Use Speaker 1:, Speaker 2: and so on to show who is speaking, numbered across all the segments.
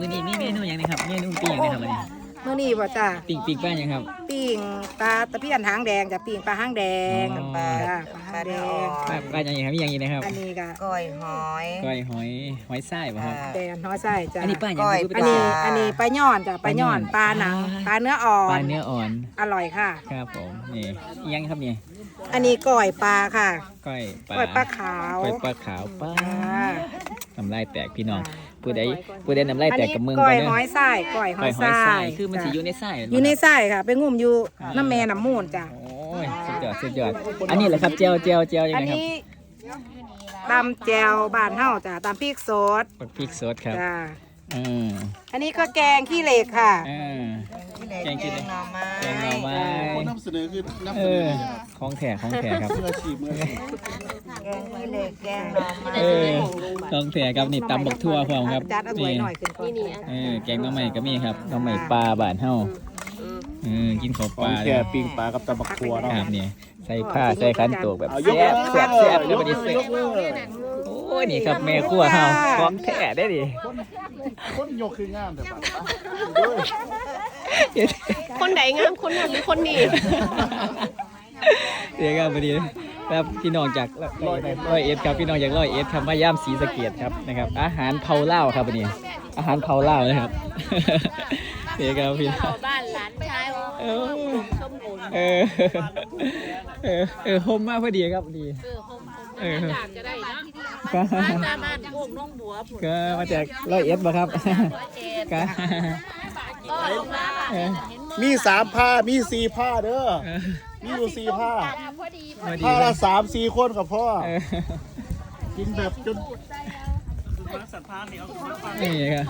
Speaker 1: มื้อนี้มีเมนูอย่างไรครับเมนูปิ้งอย่างไรครับวันนี้
Speaker 2: มื้อนี้บ่จ้า
Speaker 1: ปิ้งป้าอย่างครับ
Speaker 2: ปิ้งปลาตะเพียนหางแดงจ้ะปิ้งปลาหางแดง
Speaker 1: อ๋อ
Speaker 2: จ้าปลาหางแดง
Speaker 1: ป้าอย่างไรครับมีอย่างนี้นะครับ
Speaker 2: อันนี้ก็
Speaker 3: ก้อยหอย
Speaker 1: ก้อยหอยไส้ป่ะครับ
Speaker 2: แดงน้อยไส้จ้า
Speaker 1: อันนี้ป้าอย่าง
Speaker 3: ก้อย
Speaker 1: คือ
Speaker 2: อัน
Speaker 1: เป็น
Speaker 2: นี้
Speaker 3: ปลา
Speaker 2: อันนี้ปลาย่อนจ้ะปลาย่อนปลาหนังปลาเนื้ออ่อ
Speaker 1: ปลาน เนื้ออ่อน
Speaker 2: อร่อยค่ะ
Speaker 1: ครับผมนี่อีกอยังครับนี่
Speaker 2: อันนี้ก้อยปลาค่ะ
Speaker 1: ก้อยปลา
Speaker 2: ก้อยปลาขาว
Speaker 1: ก้อยปลาขาวป้า
Speaker 2: จ้า
Speaker 1: น้ำลายแตกพี่น้องผู้ใดน้ำลาย
Speaker 2: อัน
Speaker 1: แตก
Speaker 2: นี้
Speaker 1: กับมึง
Speaker 2: ก้อย
Speaker 1: เด้
Speaker 2: หอยไส้ก้อยห
Speaker 1: ก้
Speaker 2: อ
Speaker 1: อย
Speaker 2: ย
Speaker 1: หอย
Speaker 2: ไส้
Speaker 1: ไส้คือมันสิอยู่ในไส้
Speaker 2: อยู่ในไส้ค่ะ ไปงุ่มอยู่น้ำแม่น้ำมูลจ้ะ
Speaker 1: โอ้ยสุดยอดอันนี้แหละครับเจียวยัง
Speaker 2: อัน
Speaker 1: ไงครับ
Speaker 2: นี้ตำแจวบ้านเฮาจ้ะตำพริกสด
Speaker 1: พริกสดครับ
Speaker 2: จ้า
Speaker 1: อืม
Speaker 2: อันนี้ก็แกงขี้เหล็กค่ะ
Speaker 1: แกงกินเลย
Speaker 3: หน่อไม้
Speaker 1: แกงหน่อไม้
Speaker 4: คนนำเสนอคือ
Speaker 1: เอ
Speaker 4: นำเสน
Speaker 1: อ
Speaker 4: อ
Speaker 1: ของแถครับ
Speaker 4: มืออาชีพมืออาชีพ
Speaker 3: แกงขี้เหล็กแกงหน่อไม้
Speaker 1: เออของแถครับนี่ตำบักทั่วพร้อมครับ
Speaker 2: จัดเอาถ้วยหน่อยขึ้นก่อน
Speaker 1: แกงหน้ำใหม่ก็มีครับหน้ำใหม่ปลาบ้านเฮากินของ
Speaker 4: ข
Speaker 1: ป
Speaker 4: อง
Speaker 1: ลา
Speaker 4: แค่ปิ้งปลากับตะบักทัวเนาะ
Speaker 1: ครับนี่ใส่ผ้าใส่ขันโตกแบบ
Speaker 4: เอายก
Speaker 1: แซ่บแล้ว
Speaker 4: ย
Speaker 1: บั
Speaker 4: ก
Speaker 1: ดนี้เสร็จ
Speaker 4: ยกมือ
Speaker 1: โอ้ยนี่ครับแม่ครัวเฮาของแท้ได้ดิ
Speaker 4: คนยกคืองามแต่ปะ
Speaker 5: คนไหนงามคนนั้นหรือคนนี้
Speaker 1: เดี๋ยวครับพอดีครับพี่น้องจากร้อยเอ็ดครับพี่น้องจากร้อยเอ็ดครับมาย่ามศรีสะเกษครับนะครับ อาหารเผาเล่าวครับวันนี้อาหารเผาเล่าวนะครับ เดี๋ยวครับพี่น้อง
Speaker 5: บ้านหลานชาย
Speaker 1: เออ
Speaker 5: ส้มโอน
Speaker 1: โฮมมากพอดีครับพอดี
Speaker 5: อยากจะได้นะ
Speaker 1: ก็
Speaker 5: บ้านบ้านโอ่งน้องบัวผุด
Speaker 1: ก็มาจากร้อยเอ็ดบ่ครับก็
Speaker 5: ก็ลงมา
Speaker 1: เออ
Speaker 4: มี3ผ้ามี4ผ้าเด้อมีอยู่4ผ้า
Speaker 1: พอดี
Speaker 4: ผ้าละ3-4คนกับพ่อ
Speaker 1: เออ
Speaker 4: กินแบบจน
Speaker 1: นี่ครับ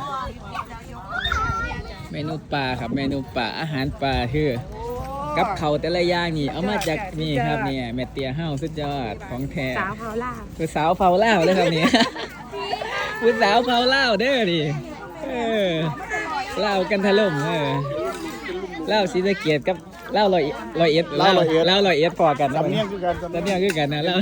Speaker 1: เมนูปลาครับเมนูปลาอาหารปลาคือกับเขาวแต่ละอย่างนี่เอามาจากนี่ครับเนี่ยแม่เตียเฮาสุดยอดของแท้
Speaker 2: สาวเผาล่า
Speaker 1: ผู้สาวเผาเล่าวเลยครับนี่ ผู้สาวเผาเล่าวเด้อดิเล่าวกันถล่มเล่าวศรีสะเกษกับเล่าวร้อยเอ็ดเล่าวร้อยเอ็ดพอกัน
Speaker 4: สำเนียงคือกันสำ
Speaker 1: สำ
Speaker 4: เนี
Speaker 1: เนี
Speaker 4: ย
Speaker 1: ย
Speaker 4: ง
Speaker 1: งคือกันนะเล่า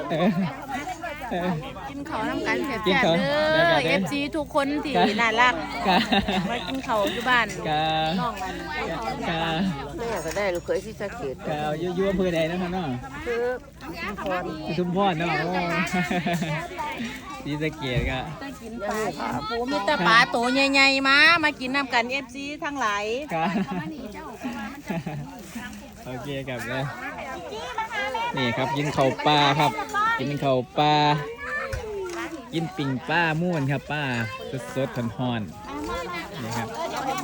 Speaker 5: กินเขาน้ำกันแซ่
Speaker 1: กิน
Speaker 5: บ
Speaker 1: เขา
Speaker 5: ๆ
Speaker 1: ได้
Speaker 5: เด้
Speaker 1: กั
Speaker 5: อน
Speaker 1: เด้อ
Speaker 5: FC ทุกคนที่น่ารัก
Speaker 1: กะ
Speaker 5: มากินเขาอยู่บ้าน
Speaker 1: กะ
Speaker 5: น้องมัน
Speaker 1: กะ
Speaker 3: แม่ก็ได้ลูกเคยที่สะเก็ด
Speaker 1: กะอยู่อำเภอใดนะครับเนาะ
Speaker 3: คือชุมพร
Speaker 1: อยู่ชุมพรเนาะโอ้ศรีสะเกษกะ
Speaker 5: กินปลาปูมีแต่ปลาโตใหญ่ๆมากินน้ำกัน FC ทั้งหลาย
Speaker 1: กะโอเคครับเลยนี่ครับกินข้าวปลาครับ กินข้าวปลากินปิ่งปลาม่วนครับป้าสดๆร้อนๆนี่ครับ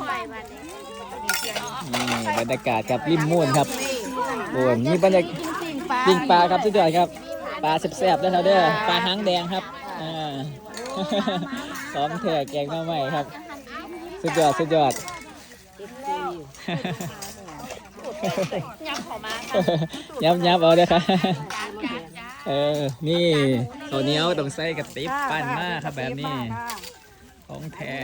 Speaker 1: นี่บรรยากาศครับริมม่วนครับโอ้ยนี่บรรยากาศปิ่งปลาครับสุดยอดครับปลาแซ่บๆแล้วครับเด้อปลาหางแดงครับซ้อมเถอะแกงหน้ำใหม่ครับสุดยอดยับเอาเด้อครับนี่ตัวเหนียวต้องใส่กระติบปั้นมากครับแบบนี้ของแท้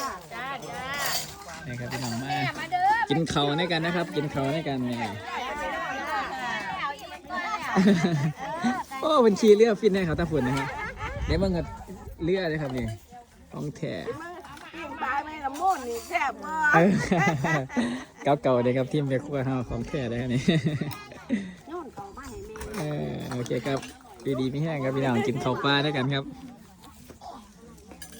Speaker 1: นี่ครับพี่น้องมากินเข่าในกันนะครับ กินเข่าในกันนี่โอ้บัญชีเรือฟินให้เขาตาฝุ่นนะครับเดี๋ยวมันก็เรือเลยครับนี่ของแท้
Speaker 2: ปลาแม่น้ำมูลนี่แซ่บมาก
Speaker 1: เก่าๆเลยครับทีมเบียร์คั่วเฮาของแท้เลยครับนี่โอเคครับดีๆไม่แห้งครับพี่น้องกินข้าวปลาด้วยกันครับ